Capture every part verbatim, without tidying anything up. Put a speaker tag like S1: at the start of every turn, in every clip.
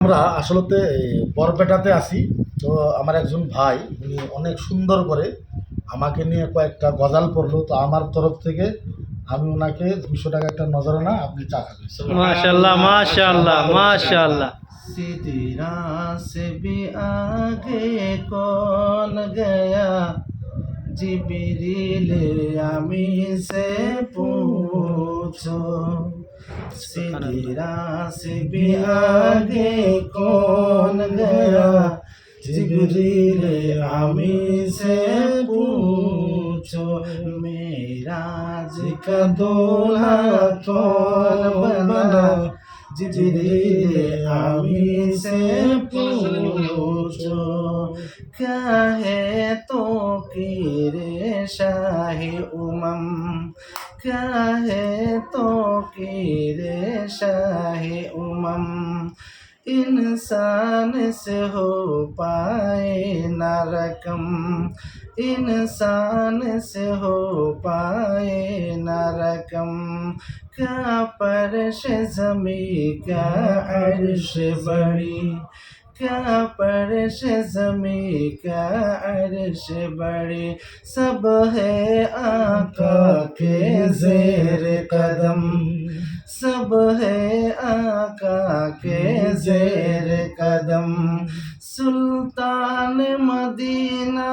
S1: আমরা আসলতে বরপেটাতে আছি। তো আমার একজন ভাই উনি অনেক সুন্দর করে আমাকে নিয়ে কয়েকটা গজাল পড়লো। তো আমার তরফ থেকে আমি ওনাকে দুশো টাকা একটা নজরানা, আপনি চা খাবেন।
S2: माशाल्लाह माशाल्लाह माशाल्लाह।
S3: सीधी राह से भी आगे कौन गया, जिब्रील अमी से पूछो। सीधी राह से भी आगे कौन गया, जिब्रील अमी से पूछो। मेराज का दूल्हा कौन बना, जिब्रील अमी से पूछो। क्या है तो कीरे शाही उमम, क्या है तो कीरे शाही उमम। इंसान से हो पाए न रकम, इंसान से हो पाए न रकम। क्या परश ज़मी क्या अर्श बड़ी, क्या परश ज़मी क्या अर्श बड़ी। सब है आका के ज़ेर कदम, सब है आका के ज़ेर कदम। सुल्तान मदीना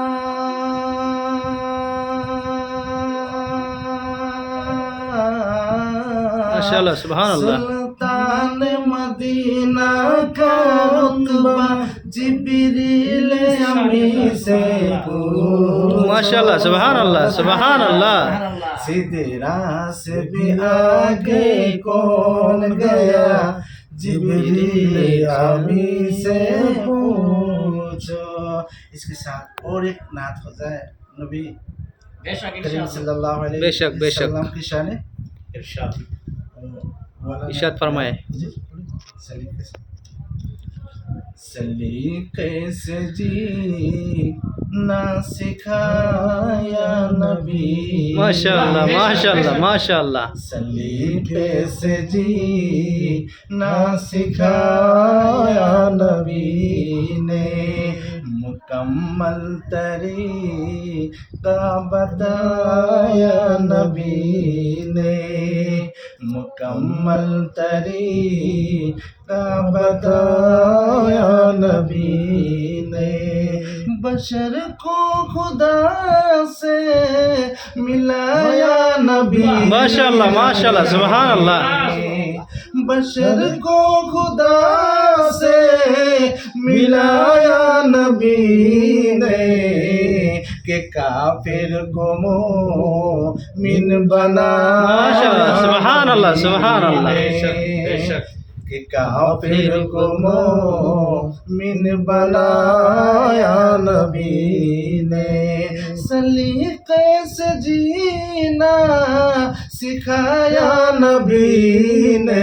S2: माशाल्लाह सुभान अल्लाह।
S3: सुल्तान मदीना का रुतबा, जिब्रील अमी से पूछो।
S2: माशाल्लाह सुभान अल्लाह सुभान अल्लाह।
S3: सीधे राह से भी आगे कौन गया, जिब्रील अमी से पूछो। इसके साथ और एक नात हो जाए नबी करीम सल्लल्लाहु अलैहि
S2: बेशक, बेशक।
S3: वसल्लम की शान
S1: इरशाद।
S2: इरशाद फरमाए।
S3: सलीके से जी ना सिखाया नबी,
S2: माशाल्लाह माशाल्लाह माशाल्लाह।
S3: सलीके से जी ना सिखाया नबी ने। मुकम्मल तरीका बताया नबी ने, मुकम्मल तरीका बताया नबी ने। बशर को खुदा से मिलाया नबी,
S2: माशाल्लाह माशाल्लाह सुभान अल्लाह।
S3: बशर को खुदा से मिलाया नबी ने। के काफिर को मोमिन बना,
S2: माशाल्लाह सुभान अल्लाह सुभान अल्लाह।
S3: कि काफिर को मोमिन बनाया नबी ने। सलीके से जीना सिखाया नबी ने,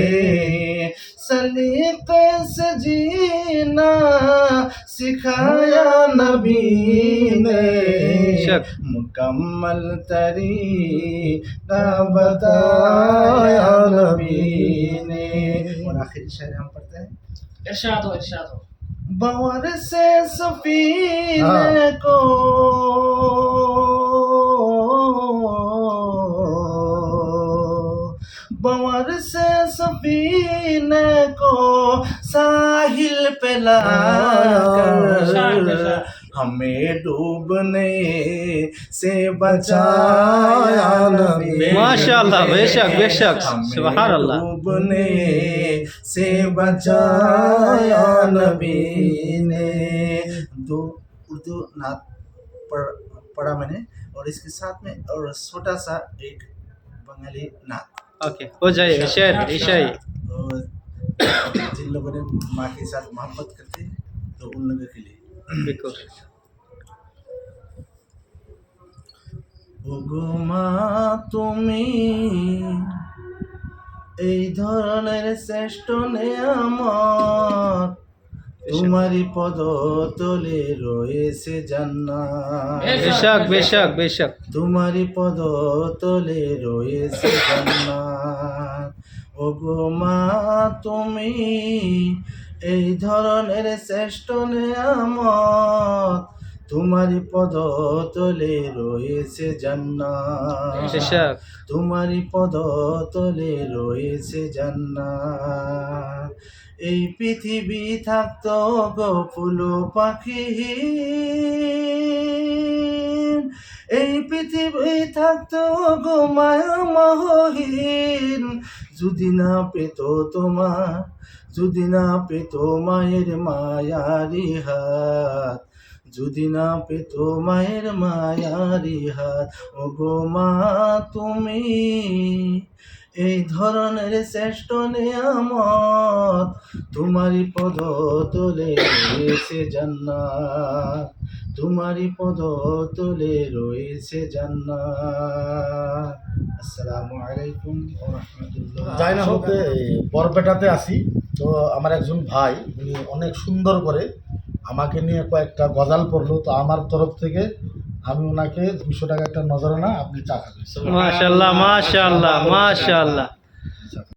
S3: सलीके से जीना सिखाया नबी ने। मुकम्मल तरीका बताया नबी ने। और आखिरी शेर हम पढ़ते हैं।
S4: इरशाद हो इरशाद हो।
S3: बवर से सफीने को बवर से सफीने को साहिल पे लाकर हमें डूबने से बचाया नबी।
S2: माशाल्लाह बेशक बेशक सुभान अल्लाह।
S3: डूबने से बचाया नबी ने। दो उर्दू नात पढ़, पढ़ा मैंने, और इसके साथ में और छोटा सा एक बंगाली नात।
S2: ओके हो जाए शेर ईशाई।
S3: जिन लोगों ने माँ के साथ मोहब्बत करते हैं तो उन लोगों के लिए।
S2: बिल्कुल।
S3: ওগো মা তুমি এই ধরনের শ্রেষ্ঠ নেয়ামত, তোমারই পদতলে রয়েছে জান্নাত।
S2: बेशक बेशक बेशक।
S3: তোমারই পদতলে রয়েছে জান্নাত। ওগো মা তুমি এই ধরনের শ্রেষ্ঠ নেয়ামত তোমারি পদ তলে রয়েছে জান্নাত,
S2: বেশক
S3: তোমারি পদ তলে রয়েছে জান্নাত। এই পৃথিবী থাকতো গো ফুল পাখি, এই পৃথিবী থাকতো গো মায়া মহীন, যদি না পেত তোমার, যদি না পেত মায়ের মায়ারি হাত, যদি না পেত মায়ের মায়ারি হাত। ও গো মা তুমি এই ধরনের শ্রেষ্ঠ নেয়ামত তোমারি পদ তলে রয়েছে জান্নাত, তোমারি পদ তলে রয়েছে জান্নাত। আসসালামু আলাইকুম ওয়া রাহমাতুল্লাহ।
S1: যাই না হতে বরপেটাতে আসি, তো আমার একজন ভাই উনি অনেক সুন্দর করে আমাকে নিয়ে কয়েকটা গজাল পড়লো, তো আমার তরফ থেকে আমি ওনাকে দুশো টাকা একটা নজরানা, আপনি চা খাবেন।
S2: মাশাআল্লাহ মাশাআল্লাহ মাশাআল্লাহ।